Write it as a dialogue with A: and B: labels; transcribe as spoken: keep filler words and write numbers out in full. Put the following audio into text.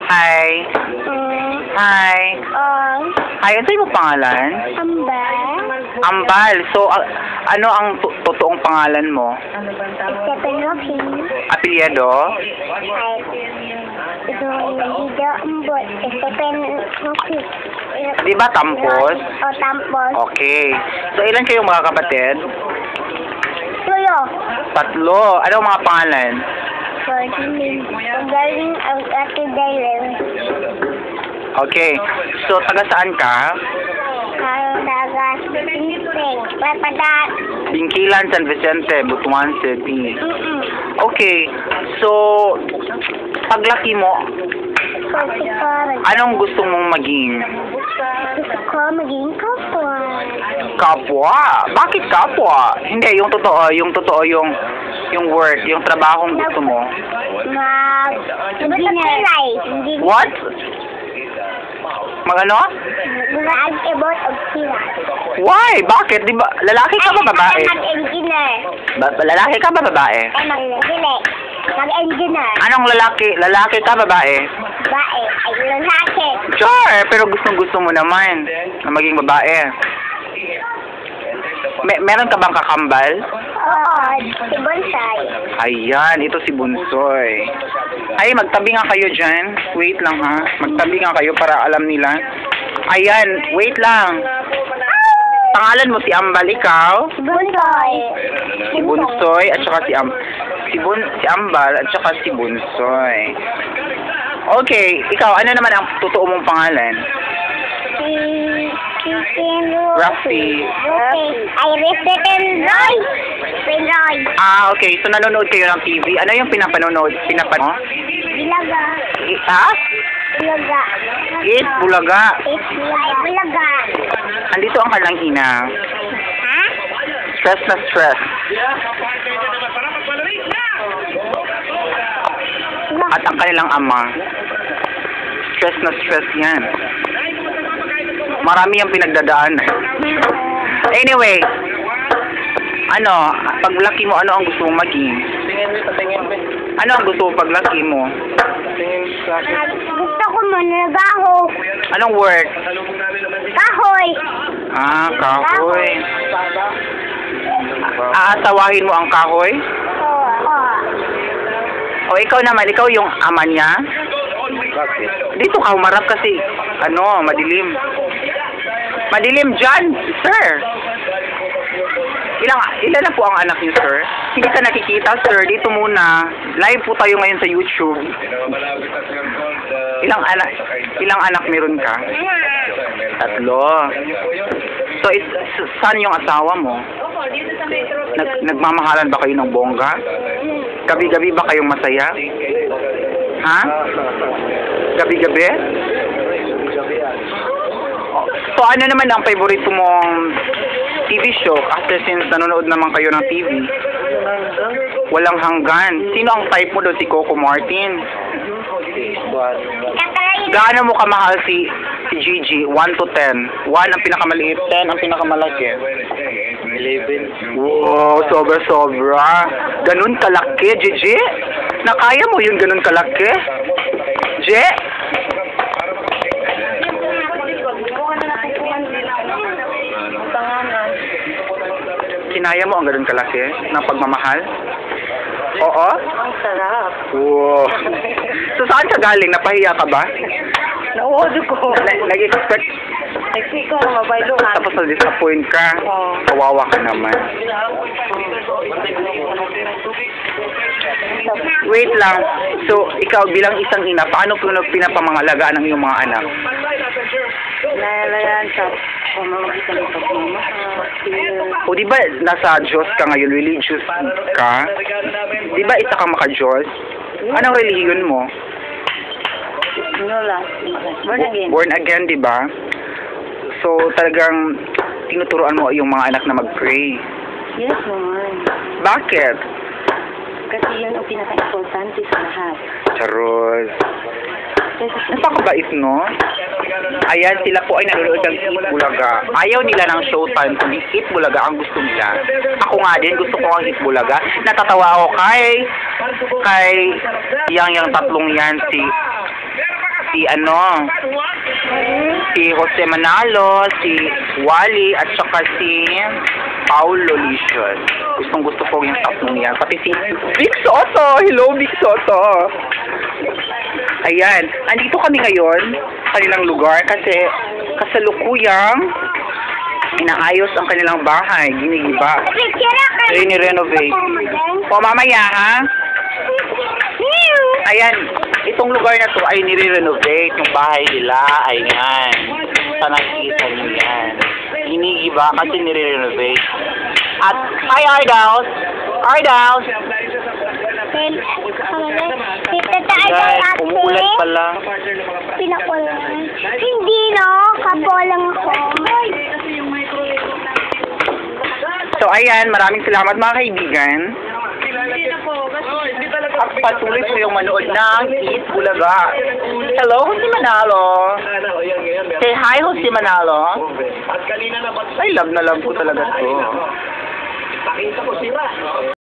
A: Hi.
B: Mm.
A: Hi.
B: Oh.
A: Hi, ano yung pangalan?
B: Ambal.
A: Ambal. So, a- ano ang to- totoong pangalan mo?
B: Stephen
A: Apelyido?
B: Ay. Ito yung video ambot. Stephen Rocky.
A: Di ba Tampos?
B: O, Tampos.
A: Okay. So, ilan kayong mga kapatid?
B: Tuyo.
A: Tatlo. Ano ang mga pangalan?
B: Fortune. Ang galing ang ate Dylan.
A: Okay. So, taga saan ka?
B: Karagas. Pimpeg. Papadat.
A: Bingkilan, San Vicente, Butuan City.
B: Mm-mm.
A: Okay. So, paglaki mo,
B: Pagsikorag.
A: anong gusto mong maging?
B: Gusto ko maging kapwa.
A: Kapwa? Bakit kapwa? Hindi, yung totoo, yung totoo, yung yung work, yung trabahong gusto mo.
B: Mag... Engineer.
A: What? Magano?
B: Mag-about of sila.
A: Why? Bakit? Di ba, lalaki ka ba babae?
B: Mag-engineer.
A: Ba, lalaki ka ba babae?
B: Ay, mag-engineer. Mag-engineer.
A: Anong lalaki? Lalaki ka babae?
B: Bae. Ay, lalaki.
A: Sure, pero gustong gusto mo naman na maging babae. Me meron ka bang kakambal?
B: Oo, si Bonsai.
A: Ayan, ito si Bunsoy. Ay, magtabi nga kayo dyan. Wait lang ha. Magtabi nga kayo para alam nila. Ayan, wait lang. Pangalan mo si Ambal, ikaw?
B: Si Bonsai.
A: Si Bunsoy at saka si Am si Bun si Ambal at saka si Bunsoy. Okay, ikaw ano naman ang totoo mong pangalan?
B: Si... Si Ken
A: Rafi.
B: Rafi. Ay, Stephen Roy. Stephen Roy.
A: Ah, okay. So nanonood kayo ng T V. Ano yung pinapanonood? Pinapanood?
B: Bilaga.
A: Eh, ha?
B: Bilaga.
A: Eat Bulaga.
B: Eat Bilaga. Ay, Bilaga.
A: Andito ang kanilang ina.
B: Ha?
A: Stress na stress. At ang kanilang ama. Stress na stress yan. Marami ang pinagdadaan. Anyway, ano, paglaki mo, ano ang gusto mong maging? Ano ang gusto mo paglaki mo?
B: Gusto ko mo nagaho.
A: Anong work?
B: Kahoy.
A: Ah, kahoy. Aasawahin mo ang kahoy?
B: Oo. Oo.
A: O ikaw naman, ikaw yung ama niya? Dito ka, humarap kasi, ano, madilim. Madilim dyan, sir. Ilang, ilan na po ang anak niyo, sir? Hindi ka nakikita, sir. Dito muna. Live po tayo ngayon sa YouTube. Ilang anak, ilang anak meron ka? Tatlo. So, it, saan yung asawa mo? Nag, nagmamahalan ba kayo ng bongga? Gabi-gabi ba kayong masaya? Ha? Gabi-gabi? So, ano naman ang favorite mong T V show? After since nanonood naman kayo ng T V. Walang hanggan. Sino ang type mo doon? Si Coco Martin? Gaano mo kamahal si si Gigi? one to ten. one ang pinakamaliit, ten ang pinakamalaki.
C: eleven.
A: Wow, sobra-sobra. Ganun kalaki, Gigi? Nakaya mo yung ganun kalaki? G? Kinaya mo ang ganun kalaki ng pagmamahal? Oo?
C: Ang sarap.
A: Wow. So, saan ka galing? Napahiya ka ba?
C: Nauod ko.
A: Na- Nag-expect,
C: Nagsi ko na mabayluhan.
A: tapos na-disappoint ka.
C: Oo.
A: Kawawa ka naman. Wait lang. So, ikaw bilang isang ina, paano po pinapamangalagaan ng iyong mga anak?
C: Nalayan sa pamamagitan ng pagmamahal.
A: O di ba nasa Diyos ka ngayon, religious ka? Di ba isa kang maka-Diyos? Anong relihiyon mo?
C: Ano lang? Born again.
A: Born again, di ba? So, talagang tinuturuan mo yung mga anak na mag-pray.
C: Yes naman.
A: Bakit?
C: Kasi yun ang pinaka-importante sa lahat.
A: Charot.
C: Kasi
A: Napakabait, no? Ayan, sila po ay nanonood ng Eat Bulaga. Ayaw nila ng Showtime, kundi Eat Bulaga ang gusto nila. Ako nga din, gusto ko ang Eat Bulaga. Natatawa ako kay, kay yang yang tatlong yan, si si ano, si Jose Manalo, si Wally, at saka si Paulo Licious. Gustong gusto ko yung tatlong yan. Pati si Vic Soto. Hello, Vic Soto. Ayan. Andito kami ngayon sa kanilang lugar kasi kasalukuyang inaayos ang kanilang bahay. Ginigiba. Rini-renovate. O, mamaya ha? Ayan. Itong lugar na to ay nire-renovate. Yung bahay nila. Ayan. Sa nakikita nyo yan. Ginigiba kasi nire-renovate. At, hi Ardaus! Ardaus! Guys, umuulat pala.
B: Pinakulan. Hindi, no? Kapo lang ako.
A: So, ayan. Maraming salamat mga kaibigan. At patuloy po yung manood ng Eat Bulaga. Hello, Jose Manalo. Say hi, Jose Manalo. Ay, love na love ko talaga to.